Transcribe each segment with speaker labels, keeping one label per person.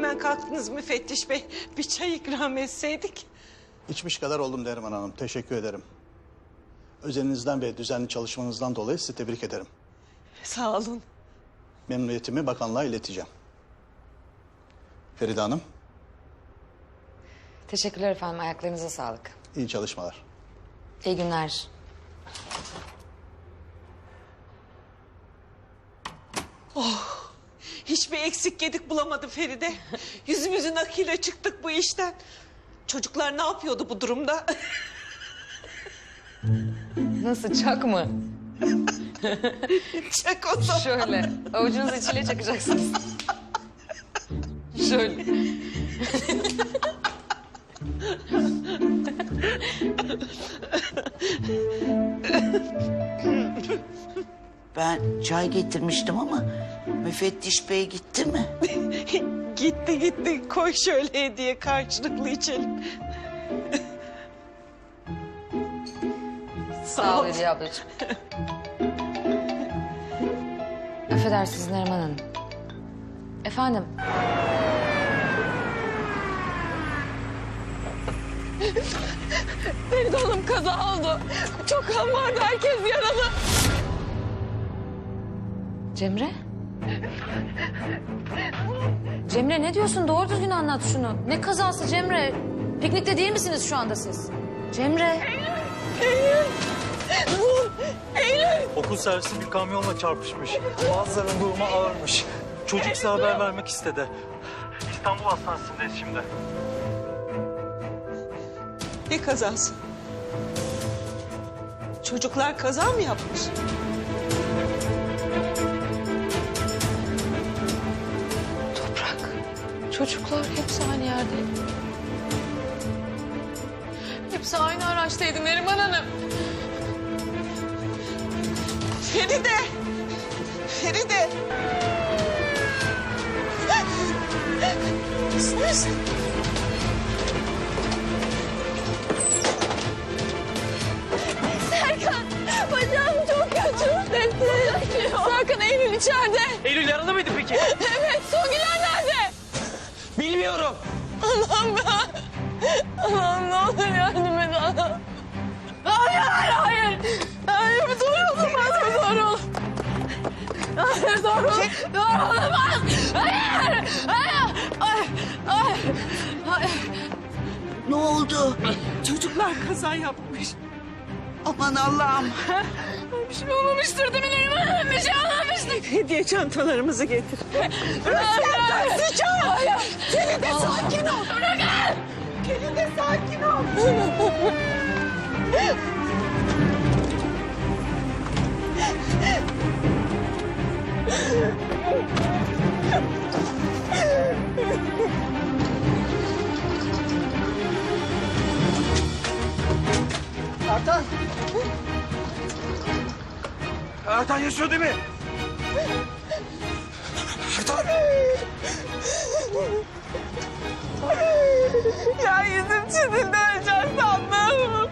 Speaker 1: hemen kalktınız müfettiş bey. Bir çay ikram etseydik.
Speaker 2: İçmiş kadar oldum Neriman Hanım. Teşekkür ederim. Özeninizden ve düzenli çalışmanızdan dolayı sizi tebrik ederim.
Speaker 1: Sağ olun.
Speaker 2: Memnuniyetimi bakanlığa ileteceğim. Feride Hanım,
Speaker 3: Teşekkürler efendim. Ayaklarınıza sağlık.
Speaker 2: iyi çalışmalar.
Speaker 3: İyi günler.
Speaker 1: Hiçbir eksik gedik bulamadı Feride. Yüzümüzün akıyla çıktık bu işten. Çocuklar ne yapıyordu bu durumda?
Speaker 3: Nasıl, çak mı?
Speaker 1: Çak o zaman.
Speaker 3: Şöyle. Avucunuz içiyle çakacaksınız. Şöyle.
Speaker 4: Ben çay getirmiştim ama müfettiş bey gitti mi?
Speaker 1: Gitti. Koy şöyle hediye karşılıklı içelim.
Speaker 3: Sağ ol Hediye ablacığım. Affedersiniz Neriman Hanım. Efendim?
Speaker 1: Feride Hanım kaza oldu. Çok kan vardı, herkes yaralı.
Speaker 3: Cemre? Cemre ne diyorsun? Doğru düzgün anlat şunu. Ne kazası Cemre? Piknikte değil misiniz şu anda siz? Cemre.
Speaker 5: Okul servisi bir kamyonla çarpışmış. Bazılarının durumu ağırmış. Çocuk size haber vermek istedi. İstanbul Hastanesi'ndeyiz şimdi.
Speaker 1: Ne kazası? Çocuklar kaza mı yapmış?
Speaker 3: Toprak. Çocuklar hepsi aynı yerde. Hepsi aynı araçtaydı Neriman Hanım.
Speaker 1: Feride! Feride! Sus! Serkan! Bacağım çok kötü. Serkan, Eylül içeride.
Speaker 5: Eylül yaralı mıydı peki?
Speaker 1: Evet, Songüler nerede?
Speaker 5: Bilmiyorum.
Speaker 1: Allah'ım ben. Allah'ım ne olur yardım et Allah'ım. Hayır. Hayır, bir doğru olamaz, bir doğru olamaz. Hayır, doğru olamaz. Hayır.
Speaker 4: Ne oldu?
Speaker 1: Çocuklar kaza yapmış.
Speaker 4: Aman Allah'ım.
Speaker 1: Bir şey olmamıştır değil mi Neriman Hanım? Bir şey olmamıştır. Hediye çantalarımızı getir. Rüzgar taksıcan. Hayır. Feride sakin ol. Bırakın. Feride sakin ol.
Speaker 5: Ertan yaşıyor değil mi? Ertan!
Speaker 1: Ya yüzüm çizildi, öleceğim sandım.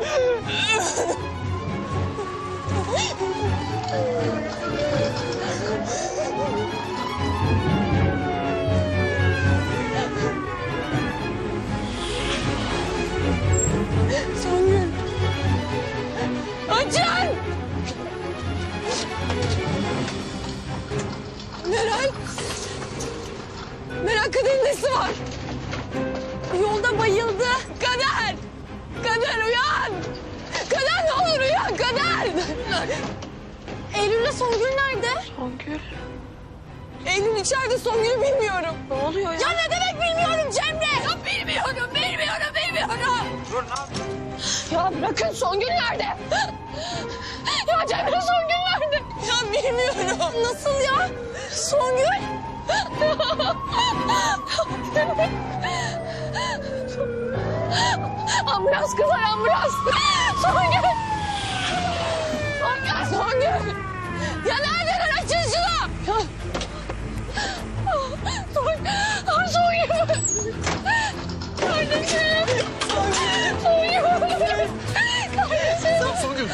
Speaker 1: Songül. Açın! Meral Kader'in nesi var? Yolda bayıldı. Kader uyan! Kader ne olur uyan Kader! Eylül'le Songül nerede? Songül? Eylül içeride, Songül'ü bilmiyorum. Ne oluyor ya? Ya ne demek bilmiyorum Cemre? Ya bilmiyorum.
Speaker 5: Dur ne yapıyorsun?
Speaker 1: Ya bırakın, Songül nerede? Ya Cemre, Songül nerede? Ya bilmiyorum. Nasıl ya? Songül? Ambulans kızlar, ambulans. Songül! Songül! Ya neredeler? Açın şunu! Ya... Songül! Kardeşim! Songül!
Speaker 5: Songül!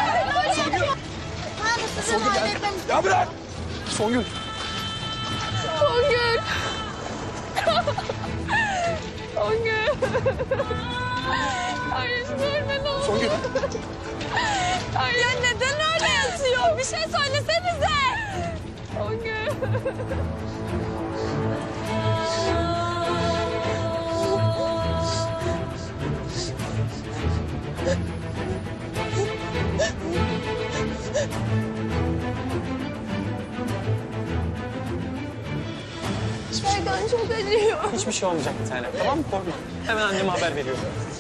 Speaker 6: Songül!
Speaker 5: Ya bırak! Songül!
Speaker 1: Songül. Songül. Hayır ölme ne olur.
Speaker 6: Songül.
Speaker 1: Ay ya neden öyle yatıyor? Bir şey söylesenize. Songül. Şuradan çok acıyor.
Speaker 6: Hiçbir şey olmayacak bir tane. Tamam mı? Korkma. Hemen anneme haber veriyorum.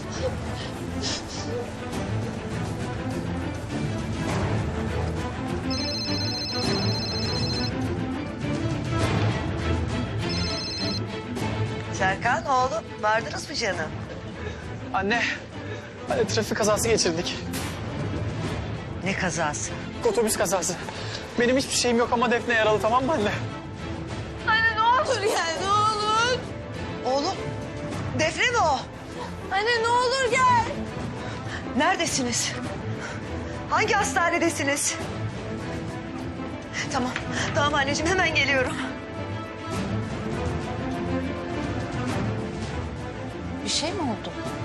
Speaker 4: Serkan oğlum vardınız mı canım?
Speaker 6: Anne, trafik kazası geçirdik.
Speaker 4: Ne kazası?
Speaker 6: Otobüs kazası. Benim hiçbir şeyim yok ama Defne yaralı, tamam mı anne?
Speaker 1: Anne ne olur gel ne olur.
Speaker 4: Oğlum Defne mi o?
Speaker 1: Anne ne olur gel.
Speaker 4: Neredesiniz? Hangi hastanedesiniz? Tamam, tamam anneciğim hemen geliyorum.
Speaker 3: Bir şey mi oldu?